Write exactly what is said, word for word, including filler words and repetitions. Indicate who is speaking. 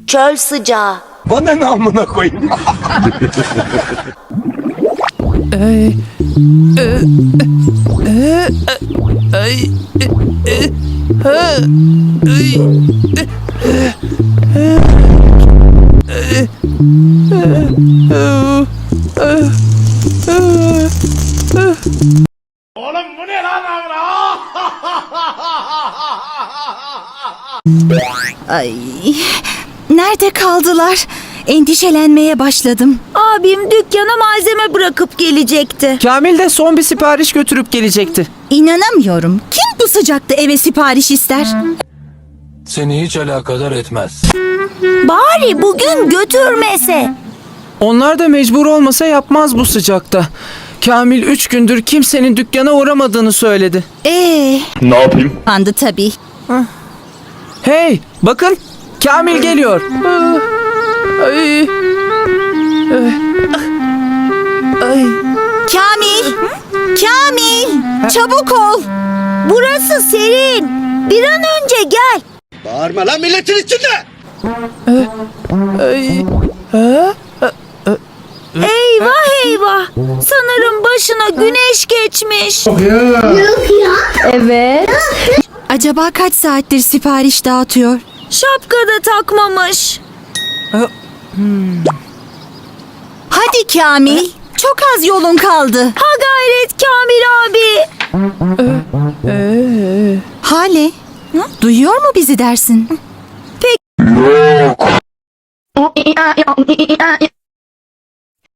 Speaker 1: Çöl sıcağı.
Speaker 2: Bana ne amına koyayım?
Speaker 3: Ay, e, e, ay, e, e, ha, ay, e, e, e, e, e, e.
Speaker 2: Oğlum bu ne lan amına?
Speaker 4: Ay, nerede kaldılar? Endişelenmeye başladım.
Speaker 1: Abim dükkana malzeme bırakıp gelecekti.
Speaker 3: Kamil de son bir sipariş götürüp gelecekti.
Speaker 4: İnanamıyorum. Kim bu sıcakta eve sipariş ister?
Speaker 2: Seni hiç alakadar etmez.
Speaker 1: Bari bugün götürmese.
Speaker 3: Onlar da mecbur olmasa yapmaz bu sıcakta. Kamil üç gündür kimsenin dükkana uğramadığını söyledi.
Speaker 4: Ee,
Speaker 2: Ne yapayım?
Speaker 4: pandı tabii.
Speaker 3: Hey, bakın Kamil geliyor. Ay, ay.
Speaker 4: Kamil! Kamil! Çabuk ol!
Speaker 1: Burası serin. Bir an önce gel.
Speaker 2: Bağırma lan milletin içinde!
Speaker 3: Ay, ha?
Speaker 1: Eyvah eyvah. Sanırım başına güneş geçmiş.
Speaker 4: Acaba kaç saattir sipariş dağıtıyor?
Speaker 1: Şapka da takmamış.
Speaker 4: Hadi Kamil! Çok az yolun kaldı.
Speaker 1: Ha gayret Kamil abi.
Speaker 4: Hale, duyuyor mu bizi dersin?
Speaker 1: Pek...